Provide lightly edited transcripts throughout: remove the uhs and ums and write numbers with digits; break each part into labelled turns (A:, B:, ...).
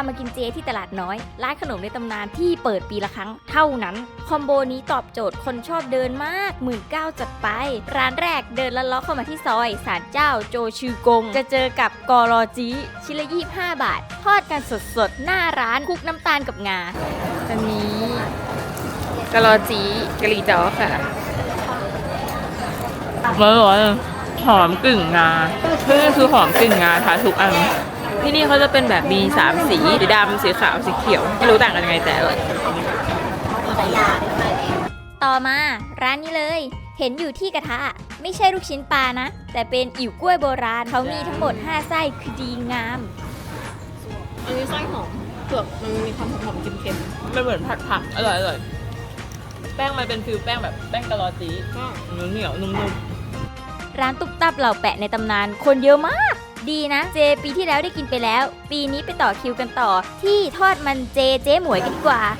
A: มากินเจที่ตลาดน้อยร้านขนมในตำนานที่เปิดปีละครั้งเท่านั้นคอมโบนี้ตอบโจทย์คนชอบเดินมาก19,000จัดไปร้านแรกเดินลัดเลาะเข้ามาที่ซอยศาลเจ้าโจชือกงจะเจอกับกอรอจีชิ้นละ25 บาททอดกันสดๆหน้าร้านคลุกน้ำตาลกับงาอันนี้กะรอจีกะหรี่จ้อค่ะร้อนๆหอมกึ่งงาคือหอมกึ่งงาค่ะทุกอันที่นี่เขาจะเป็นแบบมี3สีดำสีขาวสีเขียวไม่รู้ต่างกันยังไงแต่ต่อมาร้านนี้เลยเห็นอยู่ที่กระทะไม่ใช่ลูกชิ้นปลานะแต่เป็นอิ่วกล้วยโบราณเขามีทั้งหมด5ไส้คือดีงาม
B: อันนี้ไส้หอมเปลือกมันมีความหอมๆเค็มๆ
C: มันเหมือนผัดอร่อยแป้งมันเป็นฟิวแป้งแบบแป้งกะลอจีเหนียวนุ่ม
A: ร้านตุ๊บตับเหล่าแปะในตำนานคนเยอะมากดีนะเจปีที่แล้วได้กินไปแล้วปีนี้ไปต่อคิวกันต่อที่ทอดมันเจ๊หมวยกันดีกว่า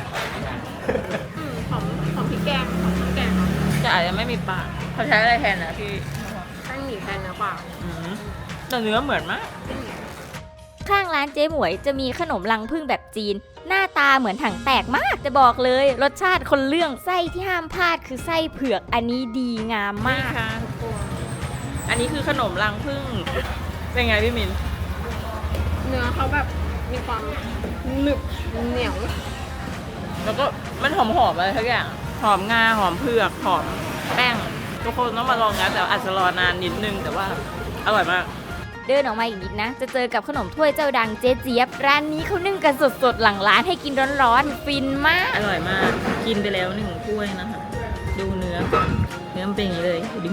B: หอมพริกแกง
C: แต่อาจจะไม่มีปลาเขาใช้อะไรแทนนะพี่
B: แป้งหมี่แทนเนื้อเปล่า
C: แต่เนื้อเหมือนมาก
A: ข้างร้านเจ๊หมวยจะมีขนมรังผึ้งแบบจีนหน้าตาเหมือนถังแตกมากจะบอกเลยรสชาติคนเรื่องไส้ที่ห้ามพลาดคือไส้เผือกอันนี้ดีงามมาก
C: ค่ะทุกคนอันนี้คือขนมรังผึ้งเป็นไงพี่มิน
B: เนื้อเขาแบบมีความหนึบเหนียว
C: แล้วก็มันหอมอะไรทุกอย่างหอมงาหอมเผือกหอมแป้งทุกคนต้องมาลองนะแต่อาจจะรอนานนิดนึงแต่ว่าอร่อยมาก
A: เดินออกมาอีกนิดนะจะเจอกับขนมถ้วยเจ้าดังเจ๊เจี๊ยบร้านนี้เขานึ่งกันสดๆหลังร้านให้กินร้อนๆฟินมาก
C: อร่อยมากกินไปแล้ว1 ถ้วยนะคะดูเนื้อมันเป็นอย่างนี้เลยดิ้ง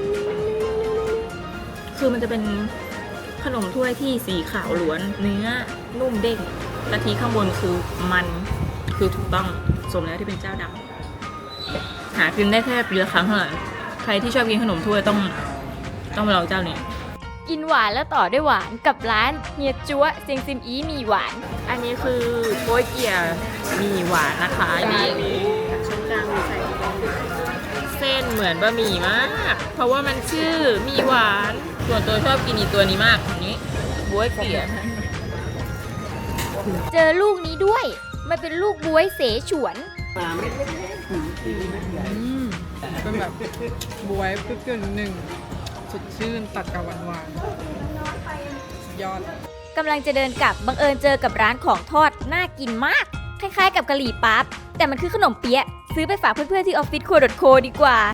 C: คือมันจะเป็นขนมถ้วยที่สีขาวล้วนเนื้อนุ่มเด้งกะทิข้างบนคือมันคือถูกต้องสมแล้วที่เป็นเจ้าดังหากินได้แค่ปีละครั้งเท่านั้นใครที่ชอบกินขนมถ้วยต้องมาลองเจ้านี้
A: กินหวานแล้วต่อด้วยหวานกับร้านเฮียจั๊วเซียงซิมอีมีหวาน
C: อันนี้คือโป๊ยเกี๊ยมีหวานนะคะนี่
B: ชั้นกลางมีใส่
C: เส้นเหมือนบะหมี่มากเพราะว่ามันชื่อมีหวานส่วนตัวชอบกินอีตัวนี้มากนี้โป๊ยเกี๊ย
A: เจอลูกนี้ด้วยมันเป็นลูกบ๊วยเสฉวน
B: เป็นแบบบ๊วยเปรี้ยวๆ1สดชื่นตัดกับหวานยอด
A: กำลังจะเดินกลับบังเอิญเจอกับร้านของทอดน่ากินมากคล้ายๆกับกะหรี่ปั๊บแต่มันคือขนมเปี๊ยะซื้อไปฝากเพื่อนๆที่ออฟฟิศครัว.โคดีกว่า